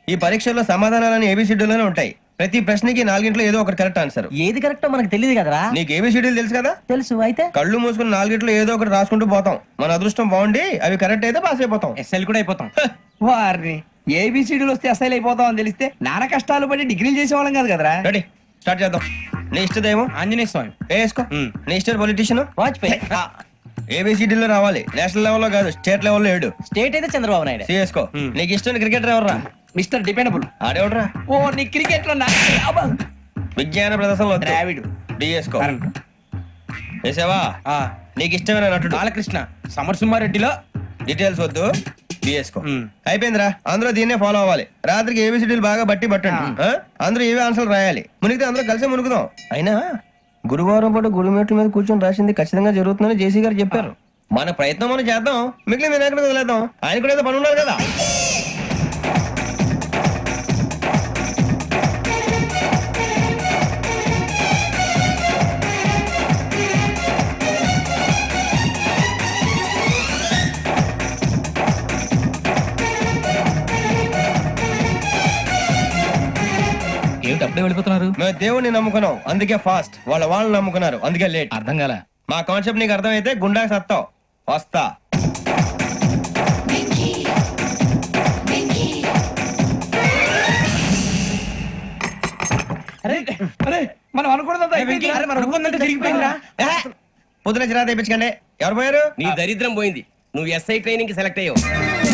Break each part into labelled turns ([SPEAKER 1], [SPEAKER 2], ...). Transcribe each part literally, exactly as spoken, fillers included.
[SPEAKER 1] ఈ పరీక్షల్లో సమాధానాలని ఏబిసిడ్యూల్లోనే ఉంటాయి. ప్రతి ప్రశ్నకి నాలుగింట్లో ఏదో ఒకటి కరెక్ట్ ఆన్సర్.
[SPEAKER 2] ఏది కరెక్టో మనకు తెలియదు కదరా.
[SPEAKER 1] నీకు ఏబిసిడ్యూల్ తెలుసు కదా?
[SPEAKER 2] తెలుసు. అయితే
[SPEAKER 1] కళ్ళు మూసుకుని నాలుగింట్లో ఏదో ఒకటి రాసుకుంటూ పోతాం. మన అదృష్టం బాగుండి అవి కరెక్ట్ అయితే పాస్ అయిపోతాం.
[SPEAKER 3] ఎస్ఎల్ కూడా అయిపోతాం. వారిని ఏబిసిడీలు వస్తే ఎస్ఐలు అయిపోతాం అని తెలిస్తే నాన్న కష్టాలు పడి డిగ్రీలు చేసేవాళ్ళం కాదు కదరా.
[SPEAKER 1] రెడీ, స్టార్ట్ చేద్దాం. నీ ఇష్టదేమో
[SPEAKER 3] ఆంజనేయ స్వామి.
[SPEAKER 1] వేసుకో. నీ ఇష్ట పొలిటీషియన్
[SPEAKER 2] వాజ్పేయి.
[SPEAKER 1] ఏబిసిడీలో రావాలి, నేషనల్ లెవెల్లో కాదు, స్టేట్ లెవెల్లో ఏడు.
[SPEAKER 2] స్టేట్ అయితే చంద్రబాబు నాయుడు.
[SPEAKER 1] సిఎస్కో. నీకు ఇష్టం క్రికెటర్ ఎవర్రా?
[SPEAKER 3] Mister dependable.
[SPEAKER 1] ఆడేవడరా?
[SPEAKER 3] ఓ నీ క్రికెట్ లో
[SPEAKER 1] విజ్ఞాన ప్రదర్శనలో
[SPEAKER 3] ద్రావిడు.
[SPEAKER 1] డిఎస్కో. వేసావా? నీకు ఇష్టమైన నటుడు?
[SPEAKER 3] బాలకృష్ణ. సమర్సింహారెడ్డిలో
[SPEAKER 1] డీటెయిల్స్ వద్దు, డిఎస్కో. అయిపోయిందిరా, అందరూ దీన్నే ఫాలో అవ్వాలి. రాత్రికి ఏబిసిడీలు బాగా బట్టి పట్టండి. ఆ? అందరూ ఏవే ఆన్సర్లు రాయాలి. మునిగితే అందరూ కలిసి మునుగుదాం. అయినా గురువారం పాటు గురుమేట్ల మీద కూర్చొని రాసింది ఖచ్చితంగా జరుగుతుందని జేసీ గారు చెప్పారు. మన ప్రయత్నం మనం చేద్దాం, మిగిలిన వినాయకుడు వదిలేద్దాం. ఆయన కూడా ఏదో పని ఉండాలి కదా.
[SPEAKER 4] ఏమిటి అప్పుడే వెళ్ళిపోతున్నారు?
[SPEAKER 1] మేము దేవుడిని నమ్ముకున్నాం, అందుకే ఫాస్ట్. వాళ్ళ వాళ్ళు నమ్ముకున్నారు, అందుకే లేట్.
[SPEAKER 4] అర్థం కాల.
[SPEAKER 1] మా కాన్సెప్ట్ నీకు అర్థమైతే గుండా సత్తావు. వస్తా.
[SPEAKER 3] మనం అనుకున్నదంతా తిరిగిపోయిందిరా.
[SPEAKER 1] పొద్దున చిరా తెప్పించకండి. ఎవరు పోయారు?
[SPEAKER 5] నీ దరిద్రం పోయింది. నువ్వు ఎస్ఐ ట్రైనింగ్ కి సెలెక్ట్ అయ్యావు.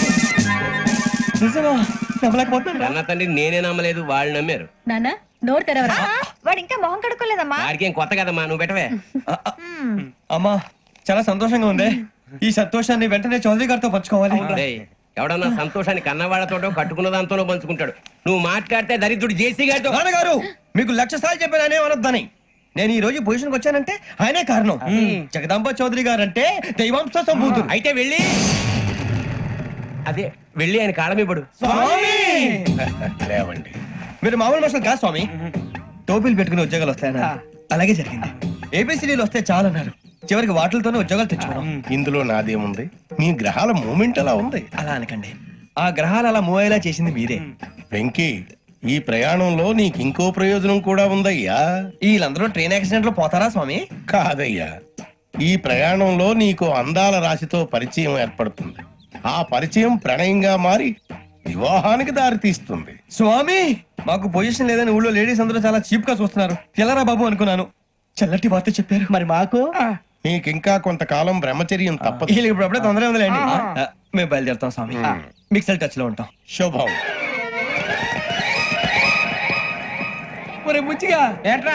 [SPEAKER 5] అన్న తండ్రి నేనే నమ్మలేదు, వాళ్ళు నమ్మారు.
[SPEAKER 6] నాన్న నోరు తెరవరా.
[SPEAKER 7] వాడు ఇంకా మొహం కడుక్కోలేదమ్మా.
[SPEAKER 5] వాడికి ఏం కొత్త కదమ్మా, నువ్వు పెట్టవే.
[SPEAKER 1] అమ్మా చాలా సంతోషంగా ఉంది. ఈ సంతోషాన్ని వెంటనే చౌదరి గారితో పంచుకోవాలి.
[SPEAKER 5] డేయ్, ఎవడన్నా సంతోషాన్ని కన్నవాళ్లతోటో కట్టుకున్న దాంతోనో పంచుకుంటాడు. నువ్వు మాట్లాడితే దరిద్రుడు జేసీ గారితో.
[SPEAKER 1] నాన్నగారు మీకు లక్ష సార్లు చెప్పాను అనే అనొద్దని. నేను ఈ రోజు పొజిషన్కి వచ్చానంటే ఆయనే కారణం. జగదాంబ చౌదరి గారు అంటే దైవాంశ సంభూతుడు.
[SPEAKER 5] అయితే వెళ్ళి అదే వెళ్ళి ఆయన కాళమిపడు.
[SPEAKER 1] లేవండి, మీరు మామూలు మనుషులు కాదు స్వామి. టోపీలు పెట్టుకుని ఉద్యోగాలు వస్తాయన్నారు, అలాగే జరిగింది. ఏబిసిడీలు వస్తే చాలన్నారు, చివరికి వాటిలతోనే ఉద్యోగాలు తెచ్చుకున్నాం.
[SPEAKER 8] ఇందులో నాదేముంది? మీ గ్రహాల మూమెంట్ అలా ఉంది.
[SPEAKER 1] అలా అనకండి, ఆ గ్రహాలు అలా మూవ్ అయ్యేలా చేసింది మీరే.
[SPEAKER 8] వెంకీ, ఈ ప్రయాణంలో నీకు ఇంకో ప్రయోజనం కూడా ఉందయ్యా.
[SPEAKER 1] వీళ్ళందరూ ట్రైన్ యాక్సిడెంట్ లో పోతారా స్వామి?
[SPEAKER 8] కాదయ్యా, ఈ ప్రయాణంలో నీకు అందాల రాశితో పరిచయం ఏర్పడుతుంది. ఆ పరిచయం ప్రణయంగా మారి వివాహానికి దారి తీస్తుంది.
[SPEAKER 1] స్వామి మాకు పొజిషన్ లేదని ఊళ్ళో లేడీస్ అందరూ చాలా చీప్ గా చూస్తున్నారు. తెల్లరా బాబు అనుకున్నాను, చల్లటి వార్త చెప్పారు.
[SPEAKER 2] మరి మాకు
[SPEAKER 8] నీకింకా కొంతకాలం బ్రహ్మచర్యం తప్పదు.
[SPEAKER 1] వీళ్ళకి ఇప్పుడు అప్పుడే తొందరగా ఉందిలేండి. ఆ, మేము బయలుదేరుతాం స్వామి. మిక్సెల్ టచ్ లో ఉంటాం.
[SPEAKER 8] శుభం.
[SPEAKER 3] ఒరే ముచ్చిగా
[SPEAKER 5] ఏట్రా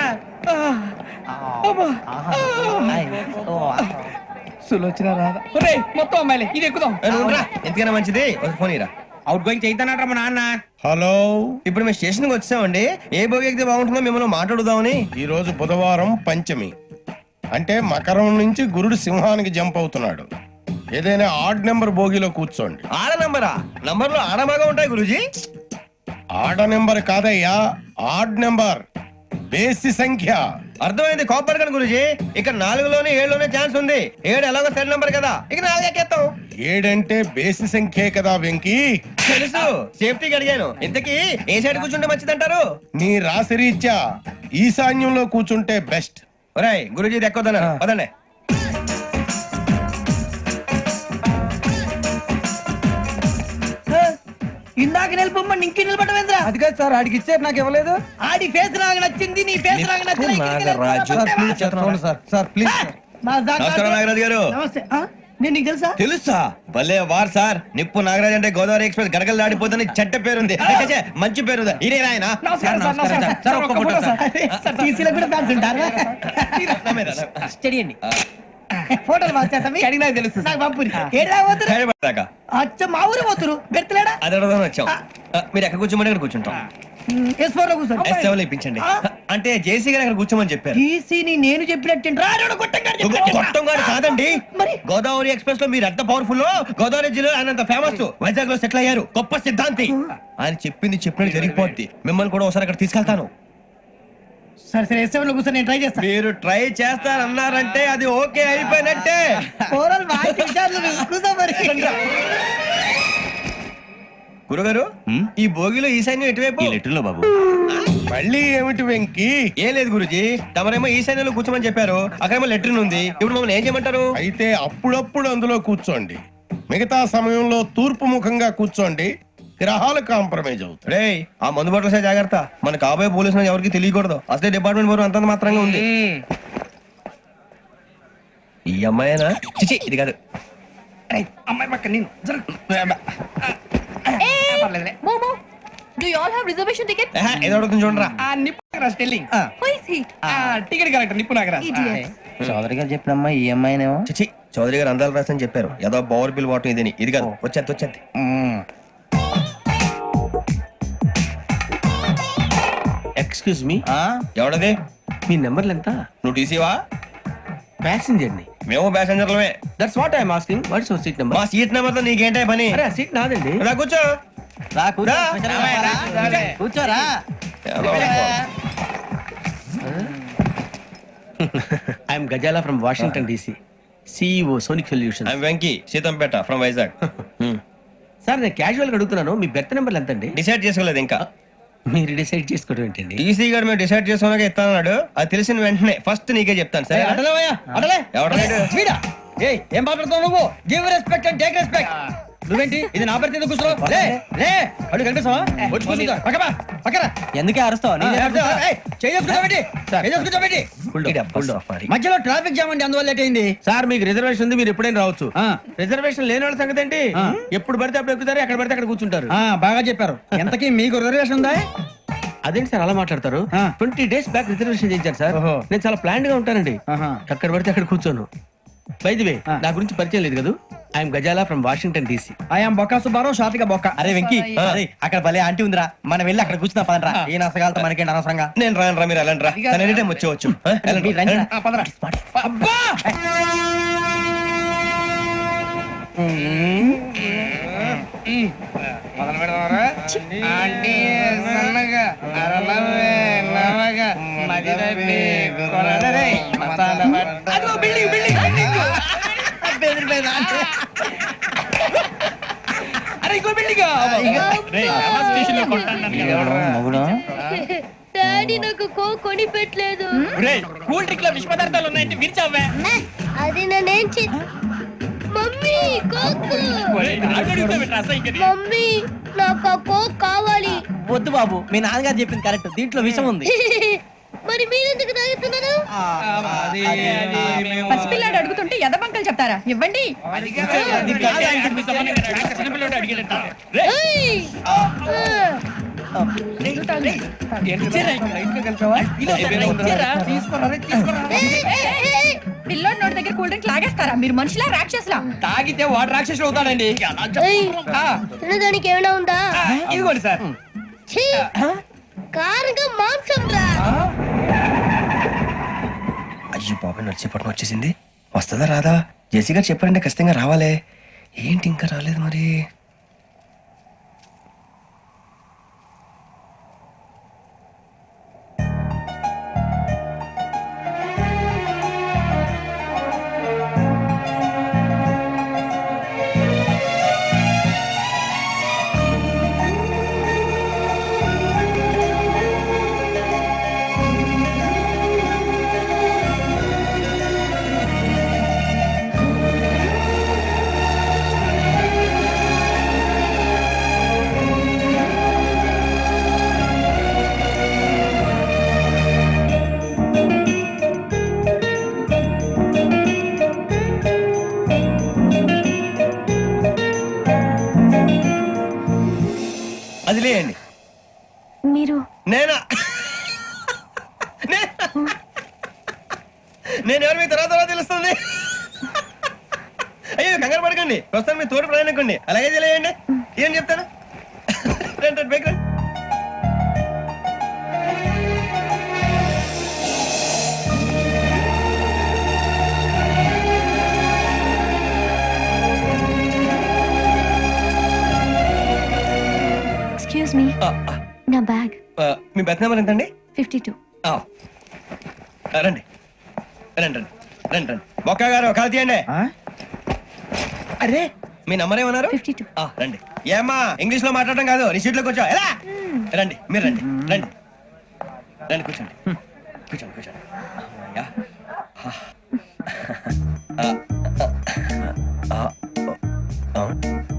[SPEAKER 3] సులోచన రాదా? ఒరే మొత్తం అమ్మాయిలే, ఇది ఎక్కుదాం.
[SPEAKER 1] ఏ, నువ్వు ఉండరా. ఎందుకైనా మంచిది ఒక ఫోన్ ఇరా.
[SPEAKER 5] అవుట్ గోయింగ్ చేద్దానట్రా మా నాన్న.
[SPEAKER 8] హలో,
[SPEAKER 1] ఇప్పుడు మేము స్టేషన్ కి వచ్చామండి. ఏ బోగి ఎక్కితే బాగుంటుందో మిమ్మల్ని మాట్లాడుదామని.
[SPEAKER 8] ఈ రోజు బుధవారం పంచమి, అంటే మకరం నుంచి గురుడు సింహానికి జంప్ అవుతున్నాడు. ఏదైనా ఆడ్ నెంబర్ బోగిలో కూర్చోండి.
[SPEAKER 1] ఆడ నంబరా? నంబర్ లో ఆడ బాగా ఉంటాయి గురూజీ.
[SPEAKER 8] ఆడ నెంబర్ కాదయ్యా, ఆడ్ నెంబర్, బేసి సంఖ్య.
[SPEAKER 1] అర్థమైంది, కోపడకండి గురూజీ. ఇక్కడ నాలుగులోనే ఏడులోనే ఛాన్స్ ఉంది. ఏడు ఎలాగో సెడ్ నంబర్ కదా, ఇక నాలుగు ఎక్కేస్తాం.
[SPEAKER 8] ఏడంటే బేసి సంఖ్యే కదా వెంకీ.
[SPEAKER 1] తెలుసు, సేఫ్టీకి అడిగాను. ఇంతకీ ఏ సైడ్ కూర్చుంటే మంచిదంటారు?
[SPEAKER 8] నీ రాశి రీత్యా ఈశాన్యంలో కూర్చుంటే బెస్ట్.
[SPEAKER 1] ఒరాయ్ గురూజీ దెక్కొద్దన్నారు, పదండి.
[SPEAKER 2] ఇందాక నిలబొమ్మని ఇంకే నిలబడమేంద్రా?
[SPEAKER 3] అది కాదు సార్, ఆడికి ఇచ్చారు, నాకు ఇవ్వలేదు.
[SPEAKER 2] ఆడి ఫేస్ నాకు నచ్చింది, నీ ఫేస్ నాకు నచ్చింది.
[SPEAKER 3] Sir sir please.
[SPEAKER 1] నమస్కారం నాగరాజు గారు.
[SPEAKER 2] నమస్తే. ఆ? నేను నీకు తెలుసా?
[SPEAKER 1] తెలుసా? భలే వార్ సార్. నిప్పు నాగరాజ్ అంటే గోదావరి ఎక్స్ప్రెస్ గడగలు దాడిపోతుంది చెడ్డ పేరుంది. ఛే, మంచి పేరు. ఇదే ఆయన.
[SPEAKER 3] నమస్కారం సార్, నమస్కారం సార్. ఒక్క ఫోటో సార్.
[SPEAKER 2] సార్ టీసీలో కూడా ఫ్యాన్స్ ఉంటారా? స్టడీ అండి. ఫోటోలు మార్చేస్తాం.
[SPEAKER 3] అడిగి నాకు తెలుసు.
[SPEAKER 2] నాకు పంపురి. ఏడా పోతురు?
[SPEAKER 1] హైదరాబాద్.
[SPEAKER 2] అచ్చ మా ఊరు పోతురు. బెర్తలేడా?
[SPEAKER 1] అది అడగదాం వచ్చాం. ఆ, మీరు ఎక్కడ కూర్చోమని అక్కడ కూర్చుంటాం.
[SPEAKER 2] ఎస్ ఫోర్ లో కూర్చోండి.
[SPEAKER 1] ఎస్ సెవెన్ లో ఇప్పించండి. అంటే జేసీ గారు అక్కడ కూర్చోమని చెప్పారు.
[SPEAKER 2] టీసీని నేను చెప్పినట్టు
[SPEAKER 1] గొప్పం గారు కాదండి.
[SPEAKER 2] మరి
[SPEAKER 1] గోదావరి ఎక్స్ప్రెస్ లో మీరు ఎంత పవర్ఫుల్, గోదావరి జిల్లా ఆయన అంత ఫేమస్. వైజాగ్ లో సెటిల్ అయ్యారు, గొప్ప సిద్ధాంతి. ఆయన చెప్పింది చెప్పినట్టు జరిగిపోద్ది. మిమ్మల్ని కూడా ఒకసారి అక్కడ తీసుకెళ్తాను.
[SPEAKER 2] సరే సరే ఎస్ సెవెన్ లో కూర్చొని నేను ట్రై చేస్తాను.
[SPEAKER 1] మీరు ట్రై చేస్తారన్నారంటే అది ఓకే అయిపోయినట్టే. గురుగారు ఈ భోగిలో ఈశాన్యం ఎటువైపు
[SPEAKER 4] లెటర్లో బాబు.
[SPEAKER 8] మళ్ళీ ఏమిటి వెంకీ?
[SPEAKER 1] ఏం లేదు గురుజీ, తమరేమో ఈశాన్యంలో కూర్చోమని చెప్పారు, అక్కడేమో లెటర్ ఉంది. ఇప్పుడు మమ్మల్ని ఏం చేయమంటారు?
[SPEAKER 8] అయితే అప్పుడప్పుడు అందులో కూర్చోండి, మిగతా సమయంలో తూర్పు ముఖంగా కూర్చోండి. గ్రహాలు కాంప్రమైజ్ అవుతాయి.
[SPEAKER 1] రే ఆ మందు బట్టలసే జాగ్రత్త, మన కాబోయే పోలీసులు ఎవరికి తెలియకూడదు. అసలే డిపార్ట్మెంట్ బోర్ అంతంత మాత్రంగా ఉంది. ఈ అమ్మాయినా? చిచి ఇది కాదు.
[SPEAKER 3] అమ్మాయి పక్క నేను
[SPEAKER 7] మోమో do you all have reservation ticket?
[SPEAKER 1] ఆహా, ఏదో అడుగుతుంది చూడరా.
[SPEAKER 3] ఆ Nippu Nagaraj telling
[SPEAKER 7] who is he?
[SPEAKER 3] Ticket correct Nippu Nagaraj.
[SPEAKER 2] Chowdary గారు చెప్పినమ్మా ఈ అమ్మాయినేమో.
[SPEAKER 1] చిచి చౌదరి గారు అందాలు రాసని చెప్పారు. ఏదో బోర్ బిల్ వాటం ఇదని. ఇది కాదు, వచ్చేది వచ్చేది.
[SPEAKER 5] Excuse me,
[SPEAKER 1] ఎవడది?
[SPEAKER 5] మీ నెంబర్లు ఎంత?
[SPEAKER 1] నువ్వు టీసీవా?
[SPEAKER 5] ప్యాసింజర్ ని.
[SPEAKER 1] మేము ప్యాసెంజర్లమే.
[SPEAKER 5] That's what I'm asking. What's your seat number?
[SPEAKER 1] మా సీట్ నెంబర్ తో నీకేంటే పని?
[SPEAKER 5] అరే ఆ సీట్ నాదండి.
[SPEAKER 1] రా కూర్చో.
[SPEAKER 2] రా కూర్చో.
[SPEAKER 1] రా.
[SPEAKER 2] కూర్చోరా.
[SPEAKER 5] I'm Gazala from Washington DC, CEO Sonic Solution.
[SPEAKER 1] I'm Venky, Seethampeta from Vizag.
[SPEAKER 5] Sir నేను క్యాజువల్ గా అడుగుతున్నాను, మీ బెర్త్ నెంబర్లు ఎంత అండి?
[SPEAKER 1] డిసైడ్ చేసుకోలేదు ఇంకా.
[SPEAKER 5] మీరు డిసైడ్ చేసుకోవడం ఏంటండి?
[SPEAKER 1] టీసీ గారు మేము డిసైడ్ చేసుకున్నాక ఇస్తానన్నాడు. అది తెలిసిన వెంటనే ఫస్ట్ నీకే చెప్తాను. సరే
[SPEAKER 2] అటలేవయ్యా అటలే.
[SPEAKER 1] ఎవడలేడు?
[SPEAKER 2] వీడా? ఏయ్ ఏం మాట్లాడుతావు నువ్వు? Give respect and take respect. నువ్వేంటి ఇది నా పరిస్థితి ఎందుకు కూర్చో? లే లే అడు కనిపిస్తావా? వచ్చి కూర్చో. పక్కపా పక్కరా. ఎందుకే అరుస్తావు? మధ్యలో ట్రాఫిక్ జామ్ అండి, అందువల్ల లేట్ అయింది.
[SPEAKER 5] సార్ మీకు రిజర్వేషన్ ఉంది, మీరు ఎప్పుడైనా రావచ్చు. రిజర్వేషన్ లేని వాళ్ళ సంగతి ఏంటి? ఎప్పుడు పడితే అప్పుడు ఎక్కుతారు, ఎక్కడ పడితే అక్కడ కూర్చుంటారు.
[SPEAKER 2] ఆ, బాగా చెప్పారు. ఎంతకీ మీకు రిజర్వేషన్ ఉందా?
[SPEAKER 5] అదేంటి సార్ అలా మాట్లాడతారు? ట్వంటీ డేస్ బ్యాక్ రిజర్వేషన్ చేయించారు సార్.
[SPEAKER 2] ఓహో.
[SPEAKER 5] నేను చాలా ప్లాన్డ్ గా ఉంటానండి.
[SPEAKER 2] ఆహా.
[SPEAKER 5] అక్కడ పడితే అక్కడ కూర్చోను. బై ది వే, నా గురించి పరిచయం లేదు కదా. I'm Gazala from Washington DC.
[SPEAKER 2] I'm Bokka Subbarao, షాతిక బొక్క. అరే వెంకీ, అరే అక్కడ భలే ఆంటీ ఉందిరా, మనం వెళ్ళి అక్కడ కూర్చున్నా పదరా. ఏ నసగాలతో మనకేంటి అనవసరంగా.
[SPEAKER 1] నేను రాను రా, మీరు వెళ్ళండి రా. తను ఎనీ టైం వచ్చేవచ్చు. ఆ, వెళ్ళండి,
[SPEAKER 2] మీరు రండి రా.
[SPEAKER 1] వెళ్ళండి.
[SPEAKER 2] ఆ, పదరా.
[SPEAKER 3] అబ్బా మొదలు పెడదామరా? ఆంటీ సన్నగా అరలవే నవగా మది తప్పి కొరడరే మసాల పట్ట. అదిగో బిల్డింగ్ బిల్డింగ్ బిల్డింగ్. బెదిరిపోయింది ఆంటీ. అరే ఇంకో బిల్డింగ్.
[SPEAKER 6] డాడీ నాకు కో కొని పెట్టలేదు.
[SPEAKER 3] కూల్ డ్రింక్ లో విష పదార్థాలు ఉన్నాయంటే విరిచావే.
[SPEAKER 6] అది నేనేం చే మమ్మీ కోక్. మమ్మీ నాకు ఆ కోక్ కావాలి.
[SPEAKER 2] వద్దు బాబు, మీ నాన్నగారు చెప్పింది కరెక్ట్, దీంట్లో విషయం ఉంది.
[SPEAKER 6] మరి మీరెందుకు తాగుతున్నారు?
[SPEAKER 7] పసిపిల్లాడు అడుగుతుంటే ఎదబంకలు చెప్తారా? ఇవ్వండి.
[SPEAKER 6] ఏయ్! ఆ. ఏయ్, ఏయ్, ఏయ్!
[SPEAKER 7] పిల్లోడి నోటి దగ్గర కూల్ డ్రింక్ లాగేస్తారా? మీరు మనుషులా రాక్షసులా?
[SPEAKER 3] తాగితే వాడు రాక్షసుడు అవుతాడండి.
[SPEAKER 6] ఏయ్, తినడానికి ఏమైనా ఉందా?
[SPEAKER 3] ఇదిగోండి సార్.
[SPEAKER 6] ఛీ! కారంగా మాంసం రా.
[SPEAKER 1] అయ్యో బాబాయ్, నడిచేపట్నం వచ్చేసింది. వస్తుందా రాదా? జేసీ గారు చెప్పారంటే ఖచ్చితంగా రావాలే. ఏంటి ఇంకా రాలేదు మరి? అది లేయండి.
[SPEAKER 6] మీరు
[SPEAKER 1] నేనా? నేనా? నేను ఎవరు మీ తర్వాత తర్వాత తెలుస్తుంది. అయ్యో కంగారు పడకండి, ప్రస్తుతం మీ తోటి ప్రయాణకండి. అలాగే తెలియండి. ఏం చెప్తాను? రండి రండి, బైక్ రండి.
[SPEAKER 6] ఎక్స్క్యూజ్ మీ,
[SPEAKER 1] ఆ, ఆ,
[SPEAKER 6] నా బ్యాగ్.
[SPEAKER 1] ఆ, మీ బెత్ నెంబర్ ఎంతండి?
[SPEAKER 6] Fifty two.
[SPEAKER 1] ఆ, రండి రండి రండి రండి రండి. బొక్క గారు కాల్ తీయండి.
[SPEAKER 3] అరే
[SPEAKER 1] మీ నంబర్ ఏమన్నారు
[SPEAKER 6] ఫిఫ్టీ టూ
[SPEAKER 1] ఆ, రండి ఏమ్మా ఇంగ్లీష్ లో మాట్లాడడం కాదు నీ సీట్లో కూర్చో ఎలా రండి మీరు రండి రండి రండి కూర్చోండి కూర్చోండి కూర్చోండి అమ్మయ్యా. ఆ, ఆ, ఆ, ఆ.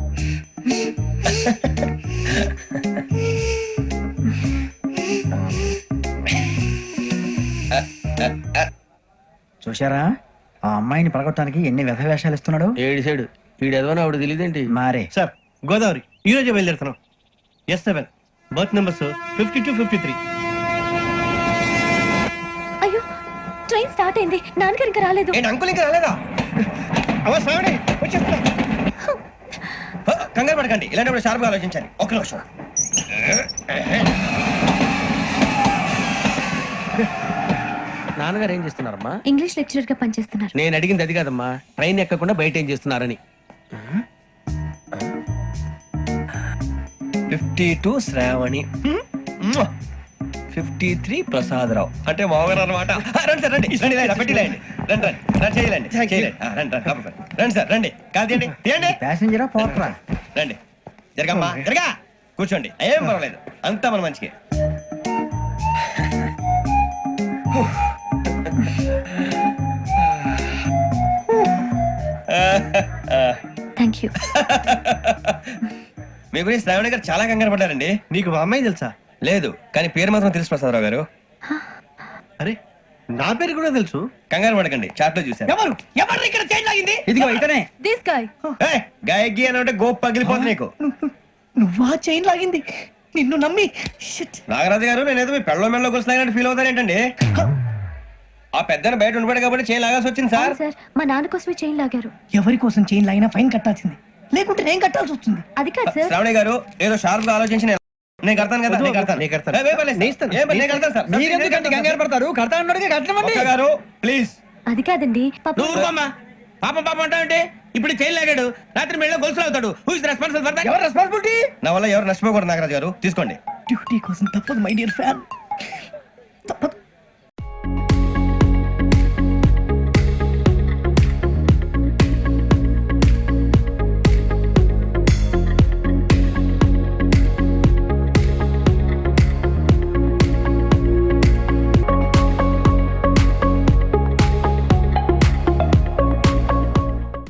[SPEAKER 2] చూశారా ఆ అమ్మాయిని పడగొట్టడానికి ఎన్ని వ్యధ వేషాలు ఇస్తున్నాడు
[SPEAKER 5] ఏడు సైడు వీడెదవో ఆవిడ తెలియదేంటి
[SPEAKER 2] మారే
[SPEAKER 1] సార్ గోదావరి ఈ రోజే బయలుదేరుతున్నాం S seven berth numbers fifty two fifty three
[SPEAKER 6] అయ్యో ట్రైన్ స్టార్ట్ అయింది నాన్నగారు ఇంకా రాలేదు
[SPEAKER 1] ఏంటి అంకుల్ ఇంకా రాలేదా అవ్వ శ్రావణి వచ్చేస్తున్నా హ, కంగారు పడకండి ఇలాంటప్పుడు షార్ప్గా ఆలోచించాలి ఒక్క నిమిషం
[SPEAKER 5] నాన్నగారు ఏం చేస్తున్నారమ్మా
[SPEAKER 6] ఇంగ్లీష్ లెక్చరర్ గా పనిచేస్తున్నారు
[SPEAKER 5] నేను అడిగింది అది కాదమ్మా ట్రైన్ ఎక్కకుండా బయట ఏం చేస్తున్నారని
[SPEAKER 1] fifty two Shravani fifty three Prasadarao అంటే మామగారు అనమాట రండి సార్ రండి రండి ఇలా పెట్టి లేండి రండి రండి రండి చేయలేండి చేయలేండి ఆ, రండి రండి లోపలికి రండి. రండి సార్ రండి కాదు తీయండి తీయండి
[SPEAKER 2] ప్యాసింజరా పోట్రా
[SPEAKER 1] రండి జరగమ్మా జరగా కూర్చోండి ఏం పర్వాలేదు అంతా మన మంచికి
[SPEAKER 6] థ్యాంక్ యూ
[SPEAKER 1] మీ గురించి శ్రావణి గారు చాలా కంగారు పడ్డారండి నీకు మా అమ్మాయి తెలుసా లేదు కానీ పేరు మాత్రం తెలుసు ప్రసాదరావు గారు అరే నా పేరు కూడా తెలుసు కంగారు పడకండి చాట్ లో చూసాను
[SPEAKER 3] ఎవరు ఎవరు ఇక్కడ చైన్ లాగింది
[SPEAKER 2] ఇదిగో ఇతనే
[SPEAKER 7] This guy.
[SPEAKER 1] ఏయ్, గాయకి అని అంటే గోప్ పగిలిపోతుంది నీకు
[SPEAKER 3] నువ్వా చైన్ లాగింది నిన్ను నమ్మి Shit.
[SPEAKER 1] నాగరాజు గారు నేనేదో మీ పెళ్ళ మెళ్ళ గురిసిలాగినట్టు ఫీల్ అవుతారేంటండి ఆ పెద్దని బయట ఉండిపోయాడు కాబట్టి చేయి లాగాల్సి వచ్చింది సార్
[SPEAKER 6] సార్ మా నాన్న కోసమే చైన్ లాగారు
[SPEAKER 3] ఎవరి కోసం చైన్ లాగినా ఫైన్ కట్టాల్సింది లేకుంటే నేను కట్టాల్సి వస్తుంది
[SPEAKER 6] అది కాదు సార్
[SPEAKER 1] శ్రావణి గారు ఏదో షార్ప్ గా ఆలోచించి నేను- నేను కడతాను కదా నేను కడతాను నేను కడతాను ఏం పర్లేదు, ఏం పర్లేదు, నేను కడతాను సార్
[SPEAKER 2] మీరెందుకంటే కంగారు పడతారు కడతా అన్నాడుగా కట్టమండి
[SPEAKER 1] ఒక్క గారు ప్లీజ్
[SPEAKER 6] అది కాదండి పాప
[SPEAKER 5] నువ్వు ఊరుకోమ్మా పాపం పాపం అంటావంటే ఇప్పుడు చైన్ లాగాడు రాత్రి మెళ్ళ గొలుసులు అవుతాడు who is responsible for that
[SPEAKER 2] ఎవరు రెస్పాన్సిబిలిటీ
[SPEAKER 1] నా వల్ల ఎవరు నష్టపోకూడదు నాగరాజు గారు తీసుకోండి
[SPEAKER 3] డ్యూటీ కోసం తప్పదు మై డియర్ ఫ్యాన్ తప్పదు